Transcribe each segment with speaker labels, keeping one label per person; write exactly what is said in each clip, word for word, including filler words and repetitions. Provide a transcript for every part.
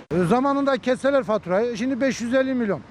Speaker 1: Zamanında keseler faturayı, şimdi beş yüz elli milyon.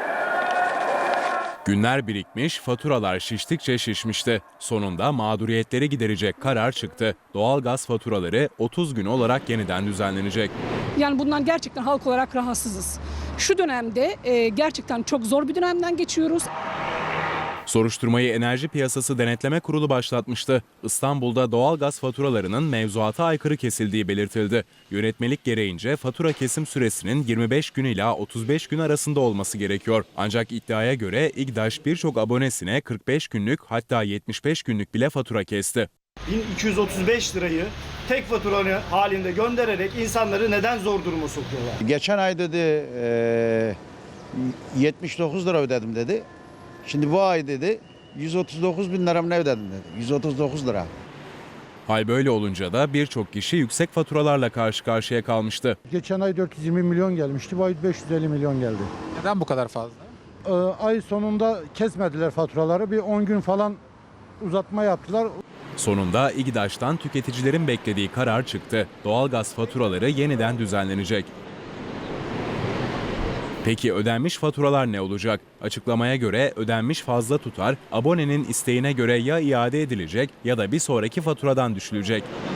Speaker 2: Günler birikmiş, faturalar şiştikçe şişmişti. Sonunda mağduriyetleri giderecek karar çıktı. Doğalgaz faturaları otuz gün olarak yeniden düzenlenecek.
Speaker 3: Yani bundan gerçekten halk olarak rahatsızız. Şu dönemde e, gerçekten çok zor bir dönemden geçiyoruz.
Speaker 2: Soruşturmayı Enerji Piyasası Denetleme Kurulu başlatmıştı. İstanbul'da doğalgaz faturalarının mevzuata aykırı kesildiği belirtildi. Yönetmelik gereğince fatura kesim süresinin yirmi beş gün ila otuz beş gün arasında olması gerekiyor. Ancak iddiaya göre İGDAŞ birçok abonesine kırk beş günlük hatta yetmiş beş günlük bile fatura kesti.
Speaker 4: bin iki yüz otuz beş lirayı tek fatura halinde göndererek insanları neden zor duruma sokuyorlar?
Speaker 5: Geçen ay dedi e, yetmiş dokuz lira ödedim dedi. Şimdi bu ay dedi yüz otuz dokuz bin lira mı ne ödedim dedi. yüz otuz dokuz lira.
Speaker 2: Hal böyle olunca da birçok kişi yüksek faturalarla karşı karşıya kalmıştı.
Speaker 1: Geçen ay dört yüz yirmi milyon gelmişti, bu ay beş yüz elli milyon geldi.
Speaker 6: Neden bu kadar fazla?
Speaker 1: Ee, ay sonunda kesmediler faturaları, bir on gün falan uzatma yaptılar.
Speaker 2: Sonunda İGDAŞ'tan tüketicilerin beklediği karar çıktı. Doğalgaz faturaları yeniden düzenlenecek. Peki ödenmiş faturalar ne olacak? Açıklamaya göre ödenmiş fazla tutar abonenin isteğine göre ya iade edilecek ya da bir sonraki faturadan düşülecek.